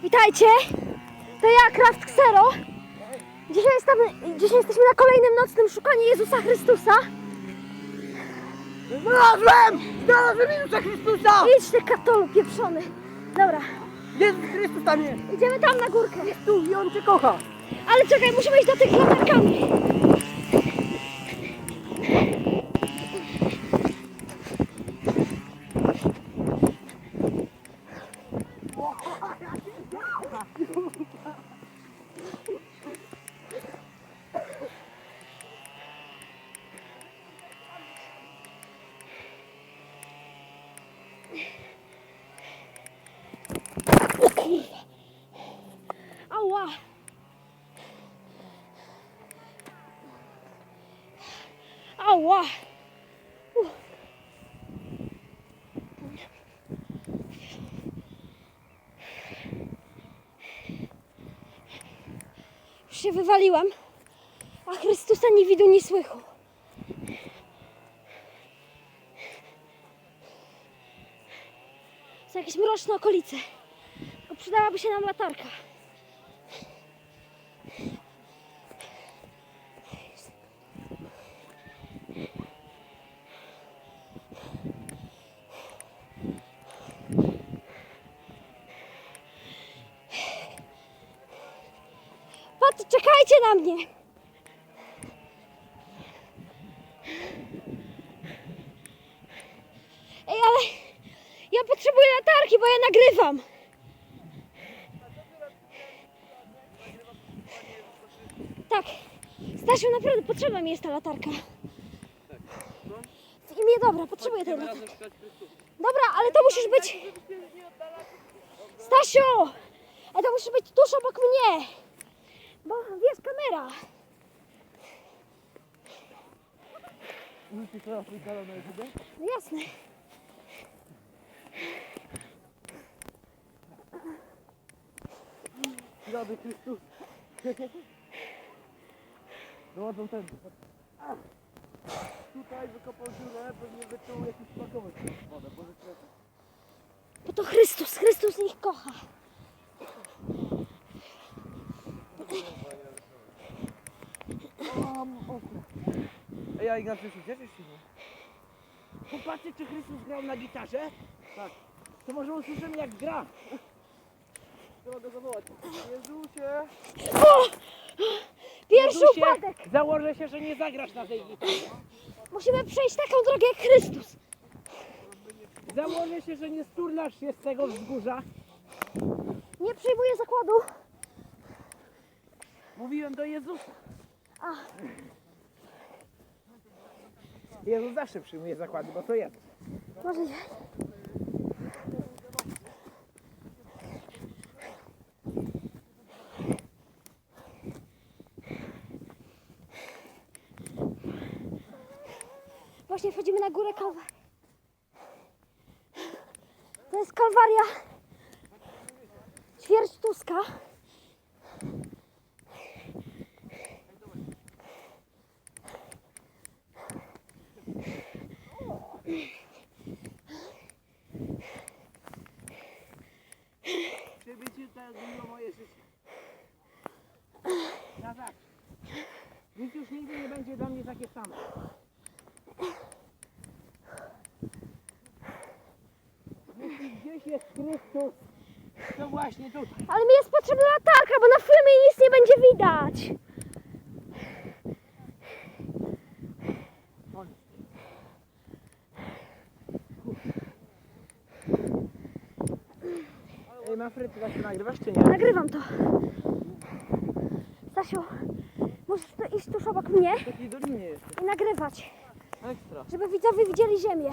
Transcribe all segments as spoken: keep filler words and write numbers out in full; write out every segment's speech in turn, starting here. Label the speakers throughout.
Speaker 1: Witajcie, to ja, Craft Xero. Dzisiaj, jestem, dzisiaj jesteśmy na kolejnym nocnym szukaniu Jezusa Chrystusa.
Speaker 2: Znalazłem! Znalazłem Jezusa Chrystusa!
Speaker 1: Idź ty katolu pieprzony. Dobra,
Speaker 2: Jezus Chrystus tam jest!
Speaker 1: idziemy tam na górkę.
Speaker 2: Jest tu i On Cię kocha!
Speaker 1: Ale czekaj, musimy iść do tych latarkami. O kurwa. Ała. Ała. Uff. Już się wywaliłam, a Chrystusa nie widu, nie słychu. Są jakieś mroczne okolice. Tylko przydałaby się nam latarka. Patrz, czekajcie na mnie! Ej, ale ja potrzebuję latarki, bo ja nagrywam. Tak. Stasiu, naprawdę potrzebna mi jest ta latarka. W imię dobra, potrzebuję tej latarki. Dobra, ale to musisz być... Stasiu! Ale to musisz być tuż obok mnie. Bo wiesz, kamera. No jasne.
Speaker 2: Rady Chrystus! Dochodzą ten. Tutaj wykopał dziurę, pewnie wyczuł jakiś smakowy wodę, bo rzeczywiście.
Speaker 1: Bo to Chrystus, Chrystus ich kocha.
Speaker 2: Ej, a Ignacy, cieszysz się? Popatrzcie, czy Chrystus grał na gitarze? Tak. To może usłyszymy, jak gra. Trzeba go zawołać. Jezusie!
Speaker 1: O! Pierwszy
Speaker 2: Jezusie,
Speaker 1: upadek!
Speaker 2: założę się, że nie zagrasz na tej gitarze.
Speaker 1: Musimy przejść taką drogę jak Chrystus.
Speaker 2: Założę się, że nie sturlasz się z tego wzgórza.
Speaker 1: Nie przyjmuję zakładu.
Speaker 2: Mówiłem do Jezusa.
Speaker 1: A,
Speaker 2: Jezus zawsze przyjmuje zakłady, bo to Jezus.
Speaker 1: możliwe. Właśnie wchodzimy na górę Kalwarii. To jest Kalwaria ćwierć Tuska.
Speaker 2: Przybycie to zmieniło moje życie. Na zawsze. Nic już nigdy nie będzie dla mnie takie samo. Jeśli gdzieś jest Chrystus, to właśnie tutaj.
Speaker 1: Ale mi jest potrzebna latarka, bo na filmie nic nie będzie widać.
Speaker 2: Ej, Manfred, ty właśnie nagrywasz czy nie?
Speaker 1: Nagrywam to. Stasiu, musisz tu iść tuż obok mnie
Speaker 2: W takiej dolinie jest.
Speaker 1: i nagrywać,
Speaker 2: Ekstra.
Speaker 1: żeby widzowie widzieli ziemię.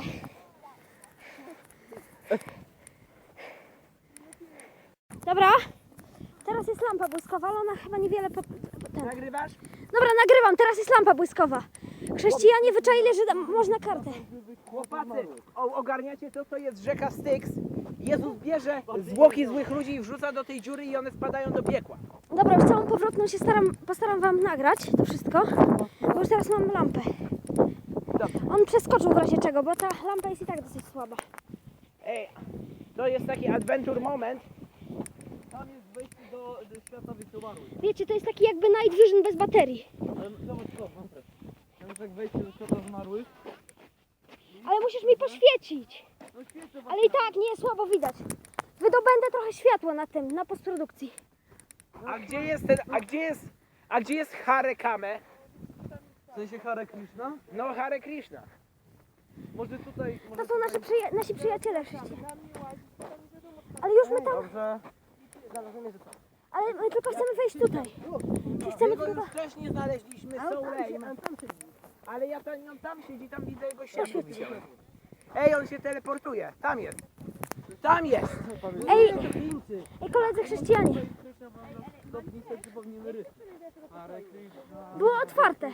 Speaker 1: Dobra, teraz jest lampa błyskowa, ale ona chyba niewiele po... ten.
Speaker 2: Nagrywasz?
Speaker 1: Dobra, nagrywam, teraz jest lampa błyskowa. Chrześcijanie wyczaili, że tam można kartę.
Speaker 2: Chłopacy, o, ogarniacie to, co jest rzeka Styx? Jezus bierze zwłoki złych ludzi i wrzuca do tej dziury i one spadają do piekła.
Speaker 1: Dobra, już całą powrotną się staram, postaram wam nagrać to wszystko, bo już teraz mam lampę.
Speaker 2: Dobra.
Speaker 1: On przeskoczył w razie czego, bo ta lampa jest i tak dosyć słaba.
Speaker 2: Ej, to jest taki adventure moment. Tam jest wejście do, do świata wirtualnego.
Speaker 1: Wiecie, to jest taki jakby night vision bez baterii.
Speaker 2: Ale zobacz to, mam też. Tam jest jak wejście do świata zmarłych.
Speaker 1: Ale musisz mi poświecić.
Speaker 2: No świecę
Speaker 1: Ale i tak nie słabo widać. Wydobędę trochę światła na tym, na postprodukcji.
Speaker 3: A gdzie jest ten, a gdzie jest, a gdzie jest Hare Kame?
Speaker 2: W sensie Hare Krishna?
Speaker 3: No Hare Krishna.
Speaker 2: Może tutaj... Może
Speaker 1: To są nasze przyja- nasi przyjaciele wszyscy. Ale już my tam,
Speaker 2: Dobrze.
Speaker 1: ale my tylko chcemy wejść tutaj. Chcemy
Speaker 3: My go
Speaker 1: tylko...
Speaker 3: już wcześniej znaleźliśmy, Soulane. Ale ja tam, on tam siedzi, tam widzę jego ścianę widziałem. Ej, on się teleportuje, tam jest. Tam jest.
Speaker 1: Ej, ej koledzy chrześcijanie,
Speaker 2: Stopni sobie przypomnimy rysy. Hare Krishna.
Speaker 1: było otwarte.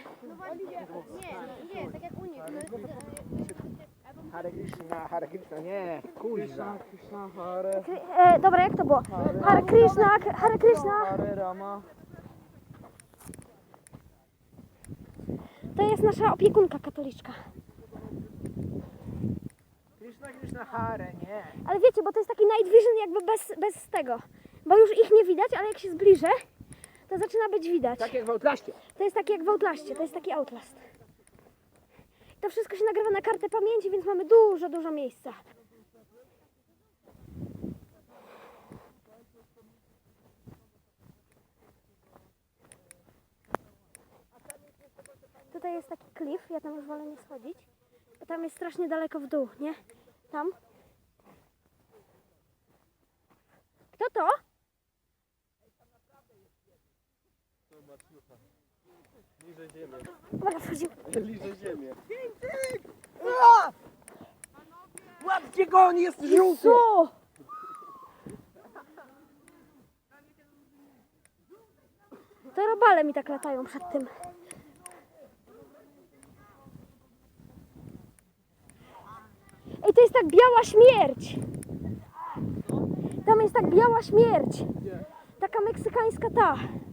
Speaker 3: Hare Krishna, Hare Krishna, nie, kuźwa.
Speaker 2: Krishna, Hare,
Speaker 1: Kry- E, dobra, jak to było? Hare Krishna, K- Hare Krishna.
Speaker 2: Hare Rama.
Speaker 1: To jest nasza opiekunka katoliczka.
Speaker 3: Krishna, Krishna, Hare, nie.
Speaker 1: Ale wiecie, bo to jest taki night vision jakby bez, bez tego. Bo już ich nie widać, ale jak się zbliżę, to zaczyna być widać.
Speaker 3: Tak jak w Outlaście.
Speaker 1: To jest taki jak w Outlaście, to jest taki Outlast. To wszystko się nagrywa na kartę pamięci, więc mamy dużo, dużo miejsca. Tutaj jest taki klif, ja tam już wolę nie schodzić, bo tam jest strasznie daleko w dół, nie? Tam. Kto to?
Speaker 2: Liże ziemię.
Speaker 1: Dobra, wchodzimy.
Speaker 2: Liże ziemię.
Speaker 3: Łapcie go, on jest żółty.
Speaker 1: Co? To robale mi tak latają przed tym. Ej, to jest tak biała śmierć. Tam jest tak biała śmierć. Taka meksykańska ta.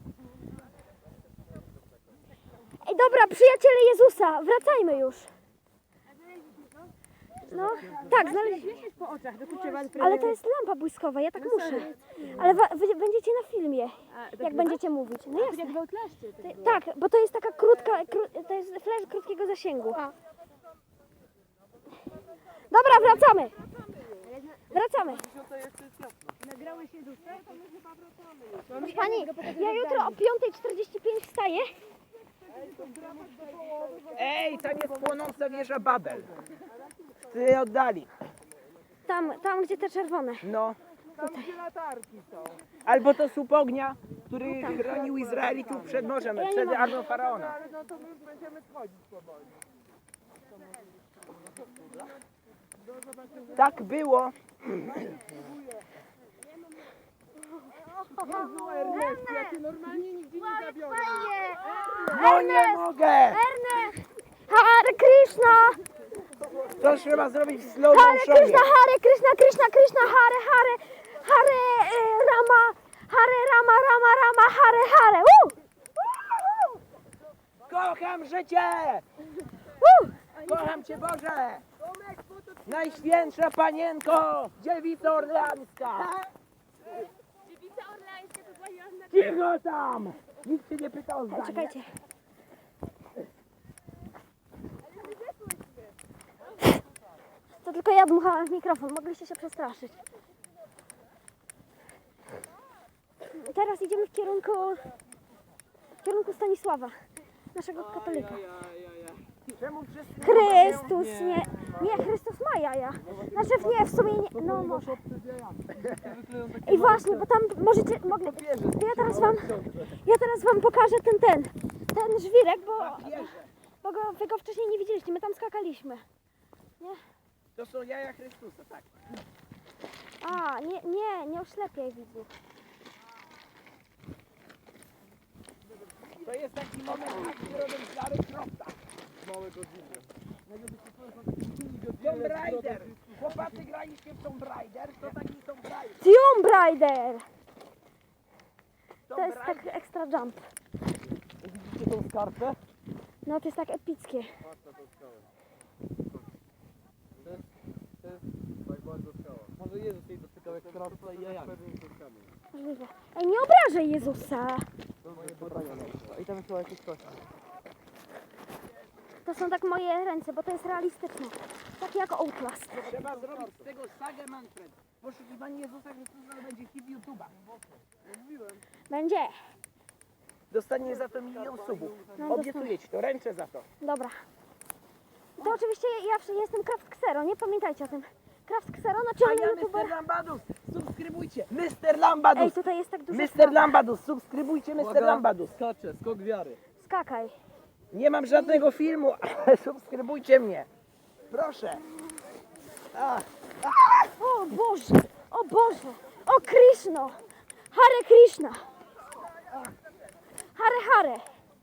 Speaker 1: Ej, dobra, przyjaciele Jezusa, wracajmy już. No, tak, znaleźliśmy.
Speaker 4: po oczach, dokuczywa.
Speaker 1: Ale to jest lampa błyskowa, ja tak muszę. Ale wa- wy będziecie na filmie, jak będziecie mówić. No jasne.
Speaker 4: Jak w Outlaście.
Speaker 1: Ty- Tak, bo to jest taka krótka, kró, to jest flash krótkiego zasięgu. Dobra, wracamy. Wracamy.
Speaker 4: Nagrałeś się duszę?
Speaker 1: Proszę Pani, ja jutro o piąta czterdzieści pięć wstaję.
Speaker 3: Ej, tam jest płonąca wieża Babel. W tej oddali.
Speaker 1: Tam, tam gdzie te czerwone.
Speaker 3: No. Albo to słup ognia, który chronił Izraelitów przed morzem,
Speaker 1: Ja nie
Speaker 3: przed
Speaker 1: mogę.
Speaker 3: armią Faraona. Tak było. No nie mogę!
Speaker 1: Erne! Hare Krishna!
Speaker 3: To trzeba zrobić w slow
Speaker 1: Hare
Speaker 3: motionie.
Speaker 1: Krishna, Hare Krishna, Krishna, Krishna, Hare, Hare, Hare e, Rama, Hare Rama, Rama, Rama, Hare, Hare. Woo! Woo!
Speaker 3: Kocham życie!
Speaker 1: Woo!
Speaker 3: Kocham Cię Boże! Najświętsza Panienko! Dziewica Orleańska! Cicho tam! Nikt Cię nie pytał o zdanie.
Speaker 1: Czekajcie. To tylko ja dmuchałam w mikrofon, mogliście się przestraszyć. Teraz idziemy w kierunku, w kierunku Stanisława, naszego katolika.
Speaker 3: Czemu wszyscy
Speaker 1: Chrystus, nie, nie, Chrystus ma jaja. Znaczy nie, w sumie nie, no może. I właśnie, bo tam możecie, mogli, to ja teraz wam, ja teraz wam pokażę ten, ten, ten żwirek, bo, bo go, wy go wcześniej nie widzieliście, my tam skakaliśmy.
Speaker 3: To są jaja Chrystusa, tak.
Speaker 1: A, nie, nie, nie oślepiaj widzów.
Speaker 3: To jest taki moment, który robią Stary Krofta. Tomb Raider. Chłopacy graliście w Tomb Raider, to taki Tomb Raider.
Speaker 1: Tomb Raider! To
Speaker 3: Tomb
Speaker 1: jest tak
Speaker 3: Raider.
Speaker 1: extra jump.
Speaker 2: Widzicie tą skarpę?
Speaker 1: No to jest tak epickie.
Speaker 2: To jest tak bardzo skała. Może Jezus jej dotyka. jak krawca i jajami.
Speaker 1: Możliwe. Ej, nie obrażaj Jezusa.
Speaker 2: I tam chyba jakieś coś.
Speaker 1: To są tak moje ręce, bo to jest realistyczne. Takie jak Outlast.
Speaker 3: Trzeba zrobić z tego sagę, Manfred. Poszukiwanie Jezusa Chrystusa będzie hit YouTube'a.
Speaker 1: Będzie.
Speaker 3: Dostanie za to milion subów.
Speaker 1: No,
Speaker 3: Obiecuję ci to, ręczę za to.
Speaker 1: Dobra. To oczywiście ja ja jestem Kraft Xero, nie pamiętajcie o tym. Kraft Xero na
Speaker 3: A
Speaker 1: czarny
Speaker 3: ja
Speaker 1: youtuber.
Speaker 3: mister Lambadus, subskrybujcie. mister Lambadus,
Speaker 1: Ej, tutaj jest tak dużo
Speaker 3: mister
Speaker 1: spraw.
Speaker 3: Lambadus, subskrybujcie mister Lambadus.
Speaker 2: Skacze, skok wiary.
Speaker 1: Skakaj.
Speaker 3: Nie mam żadnego filmu, ale subskrybujcie mnie. Proszę. A,
Speaker 1: O Boże, o Boże, o Krishno, Hare Krishna. Hare Hare.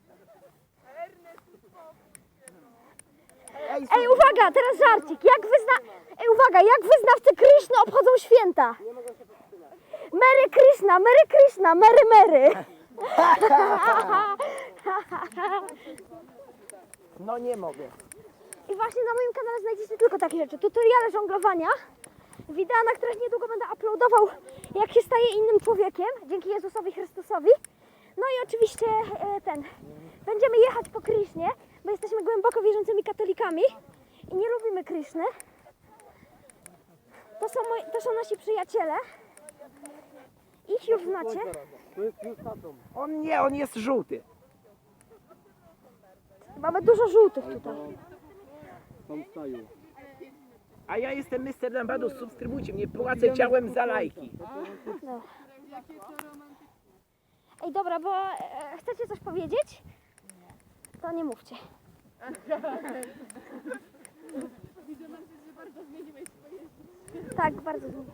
Speaker 3: ej,
Speaker 1: Ej, uwaga, teraz żarcik. Jak wyzna... Ej, uwaga, jak wyznawcy Krishna obchodzą święta? Merry Krishna, Merry Krishna, Merry Merry.
Speaker 3: no nie mogę.
Speaker 1: I właśnie na moim kanale znajdziecie tylko takie rzeczy. Tutoriale żonglowania, wideo, na których niedługo będę uploadował, jak się staje innym człowiekiem, dzięki Jezusowi Chrystusowi. No i oczywiście e, ten, będziemy jechać po Krysznie, bo jesteśmy głęboko wierzącymi katolikami i nie lubimy Kryszny. To są, moi, to są nasi przyjaciele. Ich już znacie.
Speaker 3: On nie, on jest żółty.
Speaker 1: Mamy dużo żółtych tutaj.
Speaker 2: Tam stają.
Speaker 3: A ja jestem mister Lambadus, subskrybujcie mnie, płacę ciałem za lajki.
Speaker 1: No. Ej, dobra, bo e, chcecie coś powiedzieć? To nie mówcie. Tak, bardzo zmieniłeś.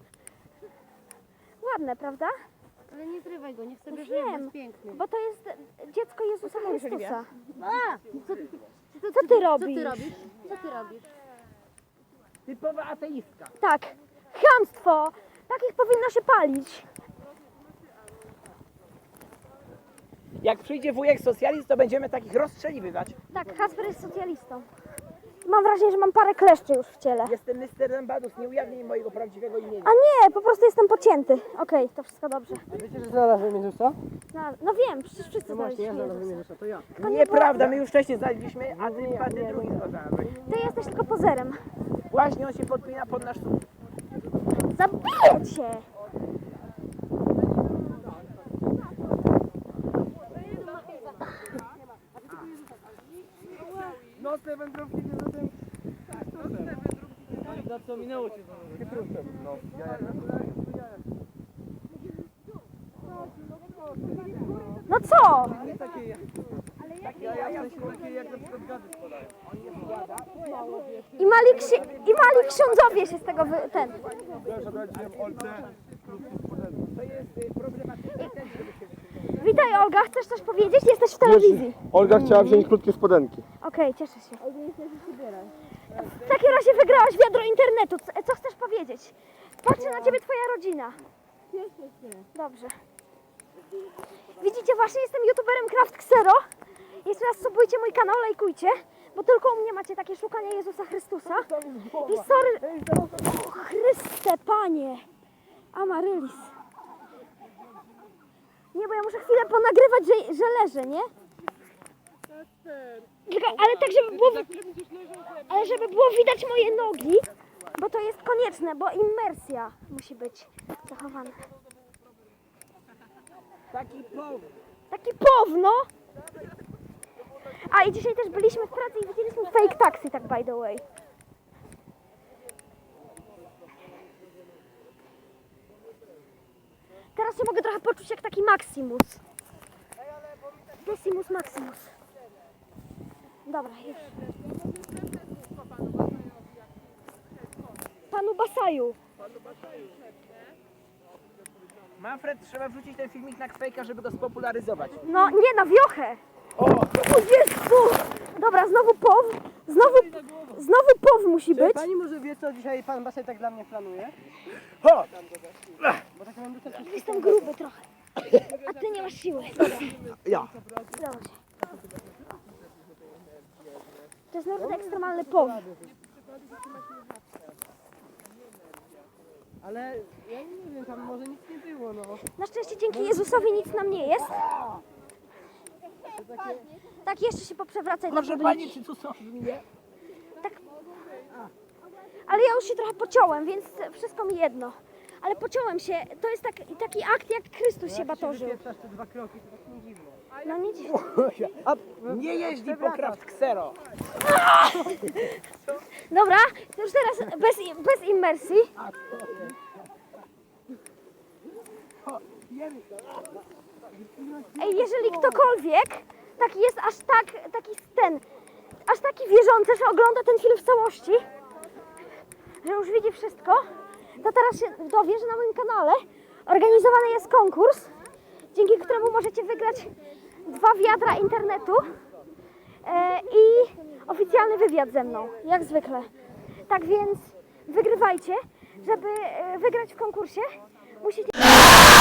Speaker 1: Ładne, prawda?
Speaker 4: Ale nie zrywaj go, niech sobie
Speaker 1: Już
Speaker 4: żyje, bo
Speaker 1: wiem,
Speaker 4: jest piękny.
Speaker 1: bo to jest dziecko Jezusa Chrystusa.
Speaker 4: A! Co, co,
Speaker 1: Co ty
Speaker 4: Co
Speaker 1: robisz?
Speaker 4: ty robisz? Co ty robisz?
Speaker 3: Typowa ateistka.
Speaker 1: Tak, chamstwo! Takich powinno się palić.
Speaker 3: Jak przyjdzie wujek socjalist, to będziemy takich rozstrzeliwywać.
Speaker 1: Tak, Kasper jest socjalistą. Mam wrażenie, że mam parę kleszczy już w ciele.
Speaker 3: Jestem mister Lambadus, nie ujawnij mojego prawdziwego imienia.
Speaker 1: A nie, po prostu jestem pocięty. Okej, to wszystko dobrze.
Speaker 2: Wiecie, że znalazłem Jezusa?
Speaker 1: No, no wiem, przecież wszyscy
Speaker 2: No właśnie, ja
Speaker 1: znaleźliśmy
Speaker 2: znalazłem
Speaker 1: Jezusa.
Speaker 2: Jezusa, to ja.
Speaker 1: To nie
Speaker 3: Nieprawda, my już wcześniej znaleźliśmy, a ty, a ty drugi go znalazłeś.
Speaker 1: Ty jesteś tylko pozerem.
Speaker 3: Właśnie on się podpina pod nasz słup.
Speaker 1: Zabiję cię!
Speaker 2: Nocne wędrówki z Jezusem. Na co minęło cię z Chytrusem. No,
Speaker 1: No co?
Speaker 2: nie takie jak... Ja, ja, w sensie takie jak na przykład gady spadają.
Speaker 1: I mali, ksi- i mali ksiądzowie się z tego wy... ten.
Speaker 3: To jest y, problematyczne też, żeby się
Speaker 1: Witaj Olga, chcesz coś powiedzieć? Jesteś w telewizji.
Speaker 5: Olga chciała wziąć krótkie spodenki.
Speaker 1: Okej, cieszę się. W takim razie wygrałaś wiadro internetu. Co, co chcesz powiedzieć? Patrzy na ciebie twoja rodzina. Dobrze. Widzicie, właśnie jestem youtuberem Kraft Xero. Jeszcze raz subujcie mój kanał, lajkujcie, bo tylko u mnie macie takie szukanie Jezusa Chrystusa. I sorry... O Chryste, Panie! Amarylis. Nie, bo ja muszę chwilę ponagrywać, że, że leżę, nie? Czekaj, ale tak, żeby było... Ale żeby było widać moje nogi, bo to jest konieczne, bo immersja musi być zachowana.
Speaker 3: taki powód.
Speaker 1: Taki powno. A i dzisiaj też byliśmy w pracy i widzieliśmy fake taxi, tak by the way. Teraz się mogę trochę poczuć jak taki Maximus. Decimus Maximus. Dobra, już. Panu Basaju.
Speaker 3: Manfred, trzeba wrzucić ten filmik na Kwejka, żeby go spopularyzować.
Speaker 1: No nie, na wiochę.
Speaker 3: O!
Speaker 1: O Jezu! Dobra, znowu pow. Znowu, znowu pow musi być.
Speaker 2: Pani może wie, co dzisiaj pan Basej tak dla mnie planuje?
Speaker 3: Ho!
Speaker 2: Bo tak mam dostać...
Speaker 1: Jestem gruby trochę. A ty nie masz siły. Dobra,
Speaker 3: Ja.
Speaker 1: dobrze. To jest nawet ekstremalny pow.
Speaker 2: Ale
Speaker 3: Ja nie wiem, tam może nic nie było, no.
Speaker 1: Na szczęście dzięki Jezusowi nic nam nie jest. Tak, jeszcze się poprzewracaj na
Speaker 3: Proszę
Speaker 1: publicznie.
Speaker 3: pani, czy tu są żmije?
Speaker 1: Ale ja już się trochę pociąłem, więc wszystko mi jedno. Ale pociąłem się, to jest tak, taki akt, jak Chrystus się batorzył.
Speaker 3: Wypieprzasz te dwa kroki, to tak nie dziwne.
Speaker 1: No nie dziwne.
Speaker 3: Nie jeździ po Kraft Xero.
Speaker 1: Dobra, to już teraz bez, bez immersji. Ej, jeżeli ktokolwiek taki jest aż tak, taki ten, aż taki wierzący, że ogląda ten film w całości, że już widzi wszystko, to teraz się dowie, że na moim kanale organizowany jest konkurs, dzięki któremu możecie wygrać dwa wiadra internetu e, i oficjalny wywiad ze mną, jak zwykle. Tak więc wygrywajcie, żeby e, wygrać w konkursie, musicie...